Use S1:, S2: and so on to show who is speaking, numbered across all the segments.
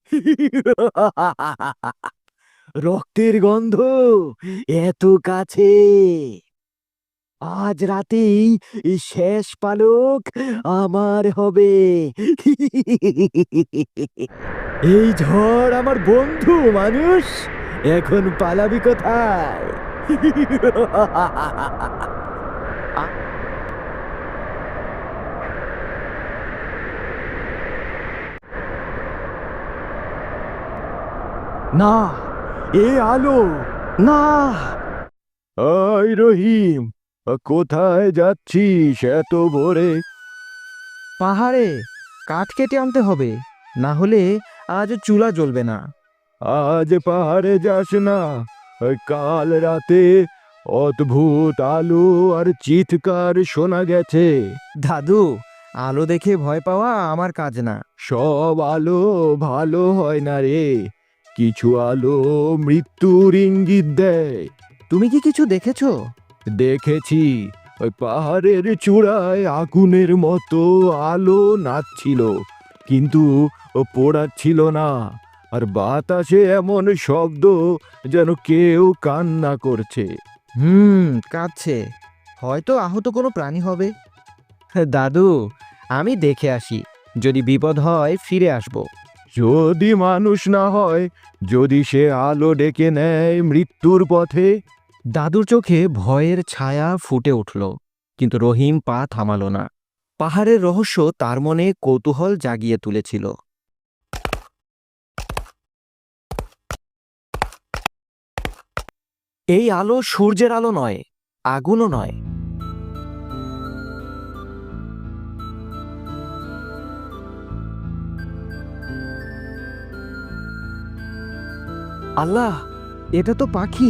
S1: রক্তের গন্ধ এত কাছে। আজ রাতেই এই শেষ পালক আমার হবে। এই ঝড় আমার বন্ধু মানুষ, এখন পালাবি কোথায়? না, এ আলো না। আয় রহিম, কোথায় যাচ্ছিস এত ভোরে?
S2: পাহাড়ে কাঠ কেটে আনতে হবে, না হলে আজ চুলা জ্বলবে না।
S1: আজ পাহাড়ে যাস না, ওই কাল রাতে অদ্ভুত আলো আর চিৎকার শোনা গেছে।
S2: দাদু, আলো দেখে ভয় পাওয়া আমার কাজ না।
S1: সব আলো ভালো হয় না রে, কিছু আলো মৃত্যুর ইঙ্গিত দেয়।
S2: তুমি কি কিছু দেখেছো?
S1: দেখেছি, ওই পাহাড়ের চূড়ায় আগুনের মতো আলো নাচছিল, কিন্তু ও পোড়াচ্ছিল না। আর বাতাসে এমন শব্দ যেন কেউ কান্না করছে।
S2: কাঁদছে। হয়তো আহত কোনো প্রাণী হবে। দাদু, আমি দেখে আসি, যদি বিপদ হয় ফিরে আসব।
S1: যদি মানুষ না হয়, যদি সে আলো ডেকে নেয় মৃত্যুর পথে।
S2: দাদুর চোখে ভয়ের ছায়া ফুটে উঠল, কিন্তু রহিম পা থামালো না। পাহাড়ের রহস্য তার মনে কৌতূহল জাগিয়ে তুলেছিল। এই আলো সূর্যের আলো নয়, আগুনও নয়। আল্লাহ, এটা তো পাখি।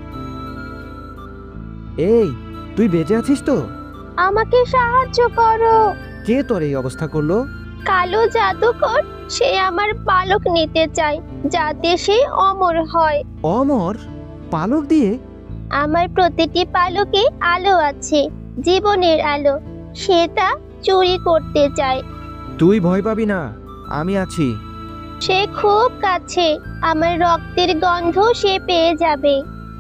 S2: এই, তুই বেঁচে আছিস তো?
S3: আমাকে সাহায্য করো।
S2: কে তোর এই অবস্থা করলো?
S3: কালো জাদুকর, সে আমার পালক নিতে চায় যাতে সে অমর হয়।
S2: অমর? পালক দিয়ে?
S3: আমার প্রতিটি পালকে আলো আছে, জীবনের আলো। সে তা চুরি করতে চায়।
S2: তুই ভয় পাবি না, আমি আছি।
S3: সে খুব কাছে, আমার রক্তের গন্ধ সে পেয়ে যাবে।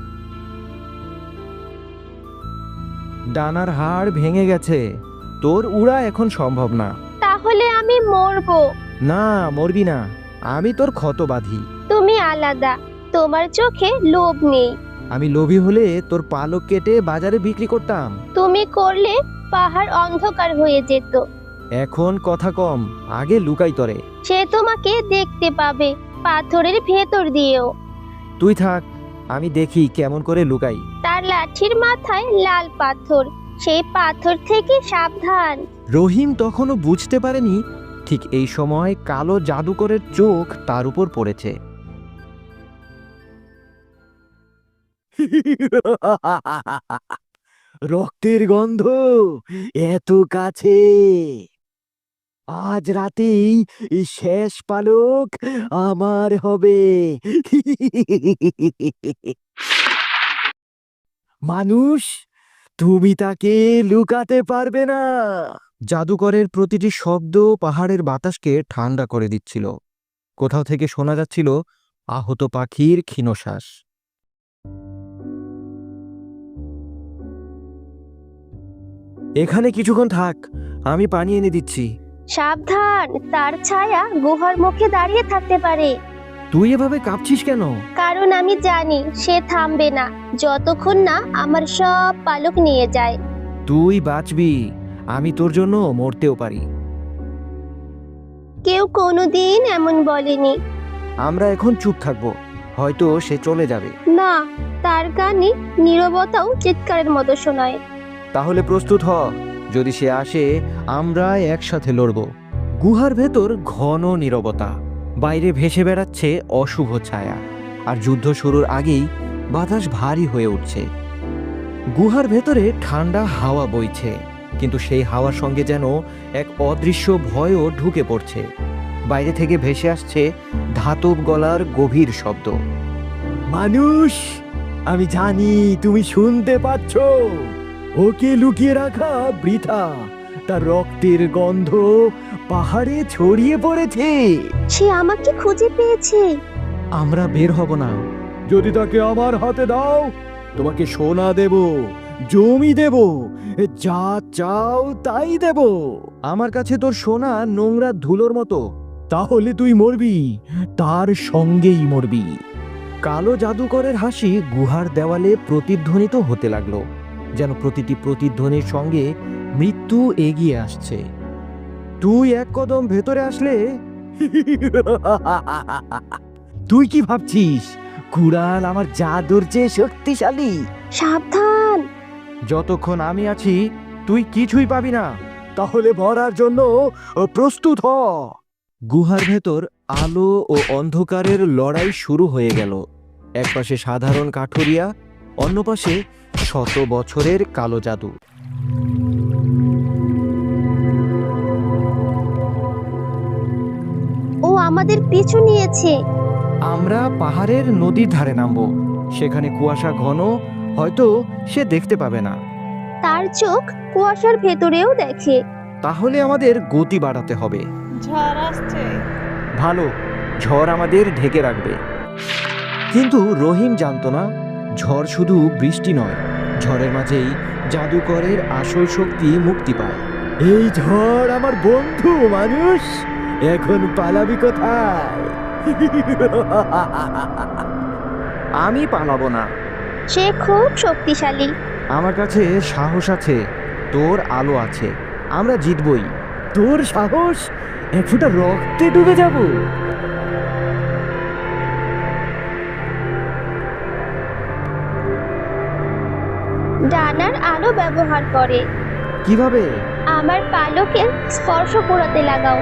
S2: ডানার হাড় ভেঙে গেছে, তোর উড়া এখন সম্ভব না।
S3: তাহলে আমি মরবো।
S2: না, মরবি না, আমি তোর ক্ষত বাঁধি।
S3: তুমি আলাদা, তোমার চোখে লোভ নেই।
S2: আমি লোভী হলে তোর পালক কেটে বাজারে বিক্রি করতাম।
S3: তুমি করলে পাহাড় অন্ধকার হয়ে যেত।
S2: এখন কথা কম, আগে লুকাই তরে।
S3: সে তোমাকে দেখতে পাবে, পাথরের ভেতর দিয়েও।
S2: তুই থাক, আমি দেখি কেমন করে লুকাই।
S3: তার লাঠির মাথায় লাল পাথর, সেই পাথর থেকে সাবধান।
S2: রহিম তখনও বুঝতে পারেনি, ঠিক এই সময় কালো জাদুকরের চোখ তার উপর পড়েছে।
S1: রক্তের গন্ধ এত কাছে। আজ রাতেই এই শেষ পালক আমার হবে। মানুষ, তুমি তাকে লুকাতে পারবে না।
S2: জাদুকরের প্রতিটি শব্দ পাহাড়ের বাতাসকে ঠান্ডা করে দিচ্ছিল। কোথাও থেকে শোনা যাচ্ছিল আহত পাখির ক্ষীণশ্বাস। এখানে কিছুক্ষণ থাক, আমি পানি এনে দিচ্ছি।
S3: সাবধান, তার ছায়া গুহার মুখে দাঁড়িয়ে থাকতে পারে।
S2: তুই এভাবে কাঁপছিস কেন?
S3: কারণ আমি জানি সে থামবে না যতক্ষণ না আমার সব পালক নিয়ে যায়।
S2: তুই বাঁচবি, আমি তোর জন্য মরতেও পারি।
S3: কেউ কোনোদিন এমন বলেনি।
S2: আমরা এখন চুপ থাকবো, হয়তো সে চলে যাবে।
S3: না, তার গানে নীরবতাও চিৎকারের মতো শোনায়।
S2: তাহলে প্রস্তুত হ, যদি সে আসে আমরা একসাথে লড়ব। গুহার ভেতর ঘন নীরবতা, বাইরে ভেসে বেড়াচ্ছে অশুভ ছায়া, আর যুদ্ধ শুরুর আগেই বাতাস ভারী হয়ে উঠছে। গুহার ভেতরে ঠান্ডা হাওয়া বইছে, কিন্তু সেই হাওয়ার সঙ্গে যেন এক অদৃশ্য ভয়ও ঢুকে পড়ছে। বাইরে থেকে ভেসে আসছে ধাতব গলার গভীর শব্দ।
S1: মানুষ, আমি জানি তুমি শুনতে পাচ্ছ। ওকে লুকিয়ে রাখা বৃথা, তার রক্তের গন্ধ
S2: পাহাড়ে ছড়িয়ে পড়েছে।
S3: সে আমাকে খুঁজে পেয়েছে।
S2: আমরা বের হব না।
S1: যদি তাকে আমার হাতে দাও, তোমাকে সোনা দেব, জমি দেব, যা চাও তাই দেব।
S2: আমার কাছে তোর সোনা নোংরা ধুলোর মতো।
S1: তাহলে তুই মরবি, তার সঙ্গেই মরবি।
S2: কালো জাদুকরের হাসি গুহার দেওয়ালে প্রতিধ্বনিত হতে লাগলো, যেন প্রতিটি প্রতিধ্বনির সঙ্গে মৃত্যু এগিয়ে আসছে। তুই এক কদম ভেতরে আসলে তুই কি ভাবছিস কুড়াল আমার জাদুর চেয়ে শক্তিশালী?
S3: সাবধান।
S2: যতক্ষণ আমি আছি তুই কিছুই পাবি না।
S1: তাহলে মরার জন্য প্রস্তুত হ।
S2: গুহার ভেতর আলো ও অন্ধকারের লড়াই শুরু হয়ে গেল। একপাশে সাধারণ কাঠুরিয়া, অন্য পাশে শত বছরের কালো জাদু।
S3: ও আমাদের পিছু নিয়েছে।
S2: আমরা পাহাড়ের নদীর ধারে নামবো। সেখানে কুয়াশা ঘন, হয়তো সে দেখতে পাবে না।
S3: তার চোখ কুয়াশার ভেতরেও দেখে।
S2: তাহলে আমাদের গতি বাড়াতে হবে।
S4: ঝড় আসছে।
S2: ভালো, ঝড় আমাদের ঢেকে রাখবে। কিন্তু রহিম জানতো না, ঝড় শুধু বৃষ্টি নয়, ঝড়ের মাঝেই জাদুকরের আসল শক্তি মুক্তি পায়।
S1: এই ঝড় আমার বন্ধু মানুষ, এখন পালাবি কোথায়?
S2: আমি পালাবো না।
S3: সে খুব শক্তিশালী।
S2: আমার কাছে সাহস আছে, তোর আলো আছে, আমরা জিতবই।
S1: তোর সাহস? এক ফোঁটা রক্তে ডুবে যাব।
S3: ডানার আলো ব্যবহার করে।
S2: কিভাবে?
S3: আমার পালকে স্পর্শ করাতে লাগাও।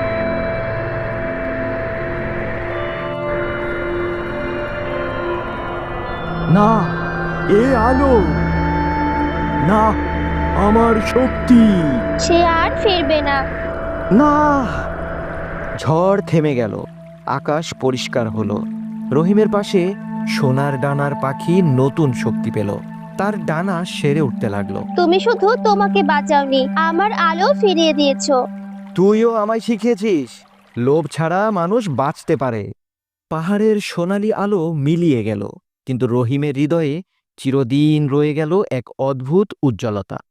S1: না, এ আলো না, আমার শক্তি।
S3: সে আর ফিরবে না।
S2: না। ঝড় থেমে গেল, আকাশ পরিষ্কার হলো। রহিমের পাশে সোনার ডানার পাখি নতুন শক্তি পেল, তার ডানা সেরে উঠতে লাগলো।
S3: তুমি শুধু তোমাকে বাঁচাওনি, আমার আলো ফিরিয়ে দিয়েছো।
S2: তুইও আমায় শিখিয়েছিস, লোভ ছাড়া মানুষ বাঁচতে পারে। পাহাড়ের সোনালি আলো মিলিয়ে গেল, কিন্তু রহিমের হৃদয়ে চিরদিন রয়ে গেল এক অদ্ভুত উজ্জ্বলতা।